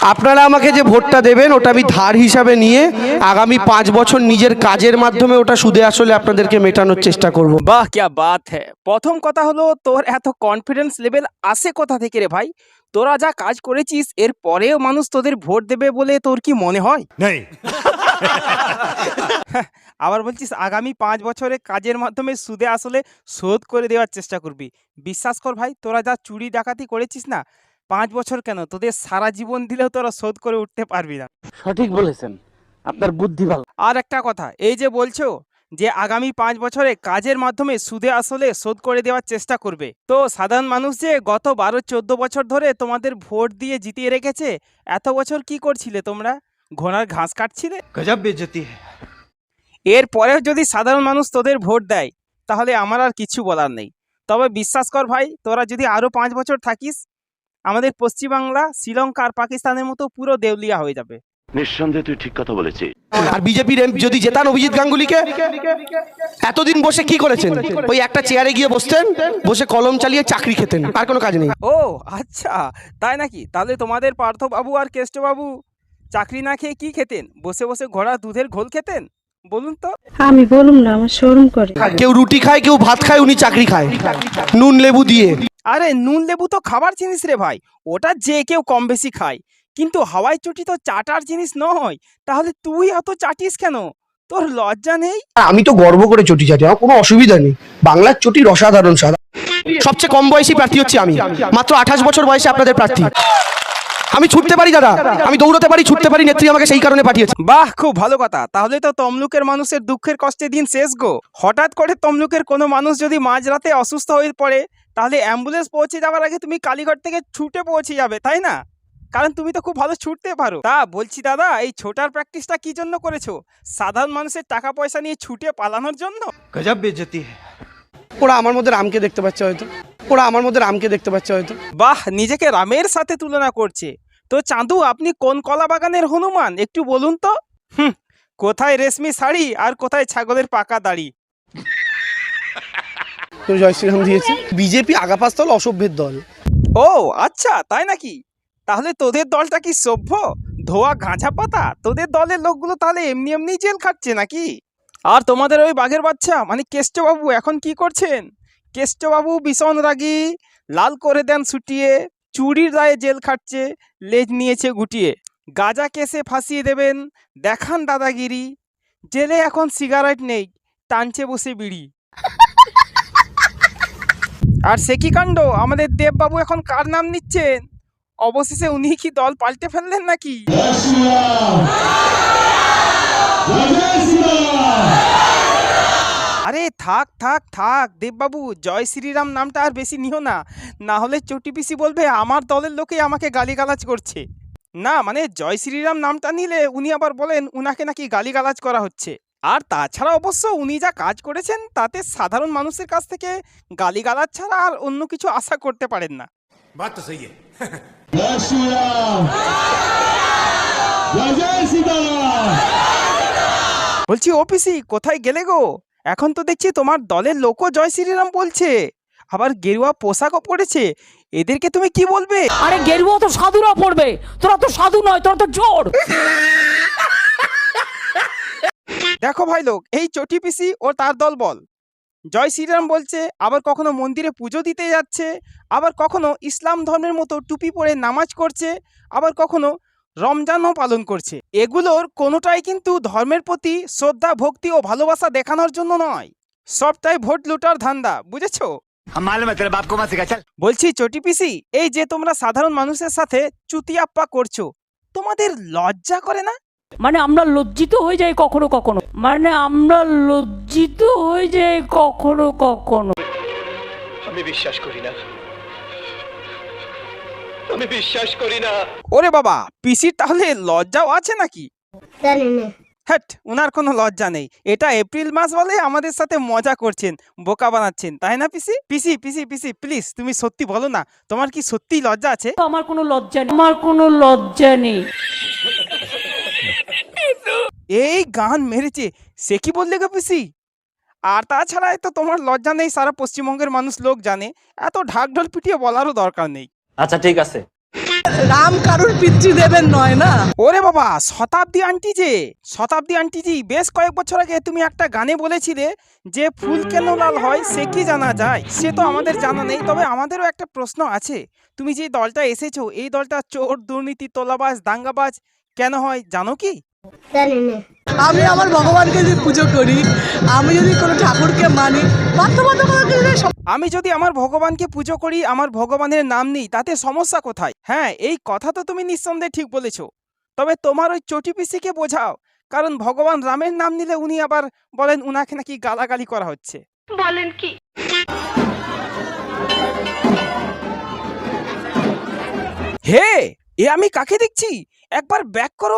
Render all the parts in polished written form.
আপনারা আমাকে যে ভোটটা দেবেন ওটা আমি ধার হিসাবে নিয়ে আগামী 5 বছর নিজের কাজের মাধ্যমে ওটা সুদে আসলে আপনাদেরকে মেটানোর চেষ্টা করব। বাহ क्या बात है। প্রথম কথা হলো তোর এত কনফিডেন্স লেভেল আসে কোথা থেকে রে ভাই? তোরা যা কাজ করেছিস এর পরেও মানুষ তোদের ভোট দেবে বলে তোর কি মনে হয়? नहीं। আবার বলছিস আগামী 5 বছরে কাজের মাধ্যমে সুদে আসলে শোধ করে দেওয়ার চেষ্টা করবি। বিশ্বাস কর ভাই, তোরা যা চুরি ডাকাতি করেছিস না, 5 বছর কেন, তোদের সারা জীবন দিলেও তোরা শোধ করে উঠতে পারবি না। সঠিক বলেছেন, আপনার বুদ্ধি ভালো। আর একটা কথা, এই যে বলছো যে আগামী 5 বছরে কাজের মাধ্যমে সুদে আসলে শোধ করে দেওয়ার চেষ্টা করবে, তো সাধারণ মানুষ যে গত 12-14 বছর ধরে তোমাদের ভোট দিয়ে জিতিয়ে রেখেছে, এত বছর কি করছিলে তোমরা? ঘোড়ার ঘাস কাটছিলে? गजब बेइज्जती है। এরপরেও যদি সাধারণ মানুষ তোদের ভোট দেয় তাহলে আমার আর কিছু বলার নেই। তবে বিশ্বাস কর ভাই, তোরা যদি আরও 5 বছর থাকিস, আমাদের পশ্চিমবাংলা শ্রীলঙ্কা আর পাকিস্তানের মতো পুরো দেউলিয়া হয়ে যাবে। নিঃসন্দেহে তুই ঠিক কথা বলেছিস। আর বিজেপির যদি জেতান অভিজিৎ গাঙ্গুলিকে, এতদিন বসে কি করেছেন? ওই একটা চেয়ারে গিয়ে বসতেন, বসে কলম চালিয়ে চাকরি খেতেন, আর কোনো কাজ নেই। ও আচ্ছা, তাই নাকি? তাহলে তোমাদের পার্থবাবু আর কেষ্টবাবু চাকরি না খেয়ে কি খেতেন? বসে বসে ঘোড়া দুধের ঘোল খেতেন? বলুন তো। আমি বলুম না, আমার শরম করে। কেউ রুটি খায়, কেউ ভাত খায়, উনি চাকরি খায় নুন লেবু দিয়ে। আরে নুন লেবু তো খাবার জিনিস রে ভাই, ওটা যে কেউ কম বেশি খায়, কিন্তু হাওয়াই চটি তো চাটার জিনিস নয়। তাহলে তুই অত চাটিস কেন? তোর লজ্জা নেই? আমি তো গর্ব করে চটি চাটি, আমার কোনো অসুবিধা নেই। বাংলার চটির অসাধারণ স্বাদ। সবচেয়ে কম বয়সী প্রার্থী হচ্ছে আমি, মাত্র 28 বছর বয়সে আপনাদের প্রার্থী। আমি ছুটতে পারি দাদা, আমি দৌড়তে পারি, ছুটতে পারি, নেত্রী আমাকে সেই কারণে পাঠিয়েছে। বাহ, খুব ভালো কথা। তাহলে তো তমলুকের মানুষের দুঃখের কষ্টে দিন শেষ গো। হঠাৎ করে তমলুকের কোনো মানুষ যদি মাঝরাতে অসুস্থ হয়ে পড়ে, তাহলে অ্যাম্বুলেন্স পৌঁছে যাওয়ার আগে তুমি কালীঘাট থেকে ছুটে পৌঁছে যাবে, তাই না? কারণ তুমি তো খুব ভালো ছুটতে পারো। তা বলছি দাদা, এই ছোটার প্র্যাকটিসটা কি জন্য করেছো? সাধারণ মানুষের টাকা পয়সা নিয়ে ছুটে পালানোর জন্য? गजब बेइज्जती है। ওরা আমার মধ্যে রামকে দেখতে পাচ্ছে হয়তো, ওরা আমার মধ্যে রামকে দেখতে পাচ্ছে হয়তো। বাহ, নিজেকে রামের সাথে তুলনা করছে। তো চাঁদু, আপনি কোন কলা বাগানের হনুমান একটু বলুন তো? কোথায় রেশমি শাড়ি আর কোথায় ছাগলের পাকা দাড়ি? জয় শ্রীরাম দিয়েছে। বিজেপি আগাপাস্তল অসভ্যের দল। ও আচ্ছা, তাই নাকি? তাহলে তোদের দলটা কি সভ্য? ধোয়া গাঁজা পাতা? তোদের দলের লোকগুলো তাহলে এমনি এমনি জেল খাটছে নাকি? আর তোমাদের ওই বাঘের বাচ্চা মানে কেষ্টবাবু এখন কি করছেন? কেষ্টবাবু ভীষণ রাগী, লাল করে দেন ছুটিয়ে, চুরির দায়ে জেল খাটছে, লেজ নিয়েছে গুটিয়ে। গাঁজা কেসে ফাঁসিয়ে দেবেন, দেখান দাদাগিরি। জেলে এখন সিগারেট নেই, টানছে বসে বিড়ি। আর সে কি কাণ্ড, আমাদের দেববাবু এখন কার নাম নিচ্ছেন? অবশেষে উনি কি দল পাল্টে ফেললেন নাকি? আরে থাক থাক থাক দেববাবু, জয় শ্রীরাম নামটা আর বেশি নিও না, না হলে চটি পিসি বলবে আমার দলের লোকেই আমাকে গালিগালাজ করছে। না মানে জয় শ্রীরাম নামটা নিলে উনি আবার বলেন উনাকে নাকি গালিগালাজ করা হচ্ছে। আর তাছাড়া অবশ্য উনি যা কাজ করেছেন তাতে সাধারণ মানুষের কাছ থেকে গালিগালাজ ছাড়া আর অন্য কিছু আশা করতে পারেন না। बात तो सही है। বলছি ওপিসি, কোথায় গেলে গো? এখন তো দেখছি তোমার দলের লোকও জয় শ্রীরাম বলছে, আবার গেরুয়া পোশাকও পরেছে। এদেরকে তুমি কি বলবে? আরে গেরুয়া তো সাধুরা পড়বে, তোরা তো সাধু নয়, তোরা তো জোর। দেখো ভাই লোক, এই চটি পিসি ও তার দল বল জয় শ্রীরাম বলছে, আবার কখনো মন্দিরে পুজো দিতে যাচ্ছে, আবার কখনো ইসলাম ধর্মের মতো টুপি পরে নামাজ করছে, আবার কখনো রমজানও পালন করছে। এগুলোর কোনোটাই কিন্তু ধর্মের প্রতি শ্রদ্ধা, ভক্তি ও ভালোবাসা দেখানোর জন্য নয়, সবটাই ভোট লুটার ধান্দা, বুঝেছো? বলছি চটি পিসি, এই যে তোমরা সাধারণ মানুষের সাথে চুতিয়াপ্পা করছো, তোমাদের লজ্জা করে না? মানে আমরা লজ্জিত হয়ে যাই কখনো কখনো, মানে আমরা লজ্জিত হয়ে যাই কখনো কখনো। আমি বিশ্বাস করি না, আমি বিশ্বাস করি না। ওরে বাবা, পিসির তাহলে লজ্জাও আছে নাকি? হ্যাট, উনার কোনো লজ্জা নেই। এটা এপ্রিল মাস বলে আমাদের সাথে মজা করছেন, বোকা বানাচ্ছেন, তাই না পিসি? পিসি পিসি পিসি প্লিজ তুমি সত্যি বলো না, তোমার কি সত্যি লজ্জা আছে? আমার কোনো লজ্জা নেই, আমার কোনো লজ্জা নেই। এই গান মেরেছে, সে কি বললে গো পিসি? আর তাছাড়া তো তোমার লজ্জা নেই সারা পশ্চিমবঙ্গের মানুষ লোক জানে, এত ঢাক ঢোল পিটিয়ে বলারও দরকার নেই। আচ্ছা ঠিক আছে। রাম কারুর পিতৃদেবের নয় না। ওরে বাবা, শতাব্দী আন্টিজি বেশ কয়েক বছর আগে তুমি একটা গানে বলেছিলে যে ফুল কেন লাল হয় সে কি জানা যায়। সে তো আমাদের জানা নেই, তবে আমাদেরও একটা প্রশ্ন আছে। তুমি যে দলটা এসেছো, এই দলটা চোর, দুর্নীতি, তোলাবাজ, দাঙ্গাবাজ কেন হয় জানো কি? আমি আমার ভগবানকে যদি পুজো করি, আমি যদি কোনো ঠাকুরকে মানি, বাধ্যবাধকতাকে যদি আমি যদি আমার ভগবানকে পুজো করি, আমার ভগবানের নাম নেই, তাতে সমস্যা কোথায়? হ্যাঁ, এই কথা তো তুমি নিঃসন্দেহে ঠিক বলেছো। তবে তোমার ওই চটি পিসিকে বোঝাও, কারণ ভগবান রামের নাম নিলে উনি আবার বলেন উনাকে নাকি গালাগালি করা হচ্ছে। বলেন কি? হে, এ আমি কাকে দেখছি? একবার ব্যাক করো।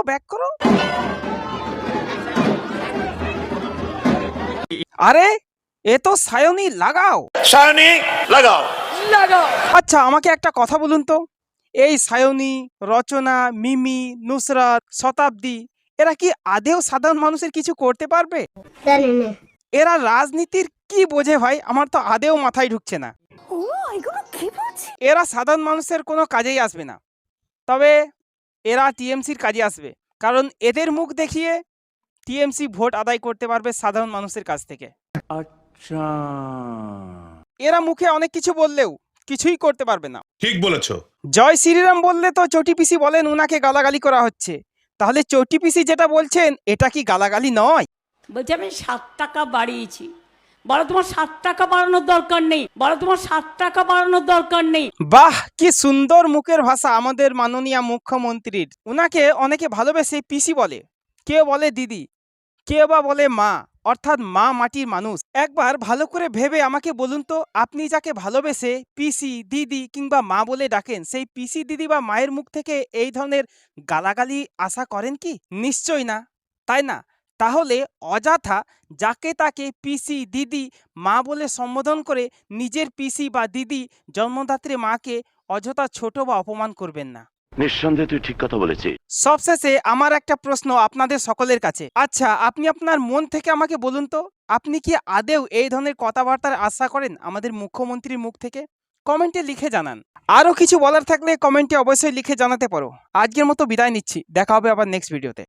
আরে এ তো সায়নী, লাগাও। সায়নী লাগাও। আচ্ছা, আমাকে একটা কথা বলুন তো, এই সায়নী, রচনা, মিমি, নুসরাত, শতাব্দী এরা কি আদেও সাধারণ মানুষের কিছু করতে পারবে? এরা রাজনীতির কি বোঝে ভাই? আমার তো আদেও মাথায় ঢুকছে না। এরা সাধারণ মানুষের কোনো কাজেই আসবে না, তবে এরা টিএমসির কাজে আসবে, কারণ এদের মুখ দেখিয়ে টিএমসি ভোট আদায় করতে পারবে সাধারণ মানুষের কাছ থেকে। আচ্ছা, এরা মুখে অনেক কিছু বললেও কিছুই করতে পারবে না। ঠিক বলেছো। জয় শ্রীরাম বললে তো চটি পিসি বলেন উনাকে গালাগালি করা হচ্ছে, তাহলে চটি পিসি যেটা বলছেন এটা কি গালাগালি নয়? বলছি আমি 7 টাকা বাড়িয়েছি, বলো তোমার 7 টাকা বাড়ানোর দরকার নেই, বলো তোমার 7 টাকা বাড়ানোর দরকার নেই। বাহ, কি সুন্দর মুখের ভাষা আমাদের মাননীয় মুখ্যমন্ত্রীর। উনাকে অনেকে ভালোবেসে পিসি বলে, কেউ বলে দিদি, কেউ বা বলে মা, অর্থাৎ মা মাটির মানুষ। একবার ভালো করে ভেবে আমাকে বলুন তো, আপনি যাকে ভালোবেসে পিসি, দিদি কিংবা মা বলে ডাকেন, সেই পিসি, দিদি বা মায়ের মুখ থেকে এই ধরনের গালাগালি আশা করেন কি? নিশ্চয়ই না, তাই না? তাহলে অযথা যাকে তাকে পিসি, দিদি, মা বলে সম্বোধন করে নিজের পিসি বা দিদি, জন্মদাত্রী মাকে অযথা ছোট বা অপমান করবেন না। নিঃসন্দেহে তুই ঠিক কথা বলেছিস। সবশেষে আমার একটা প্রশ্ন আপনাদের সকলের কাছে। আচ্ছা, আপনি আপনার মন থেকে আমাকে বলুন তো, আপনি কি আদেও এই ধরনের কথাবার্তার আশা করেন আমাদের মুখ্যমন্ত্রীর মুখ থেকে? কমেন্টে লিখে জানান। আরও কিছু বলার থাকলে কমেন্টে অবশ্যই লিখে জানাতে পারো। আজকের মতো বিদায় নিচ্ছি, দেখা হবে আবার নেক্সট ভিডিওতে।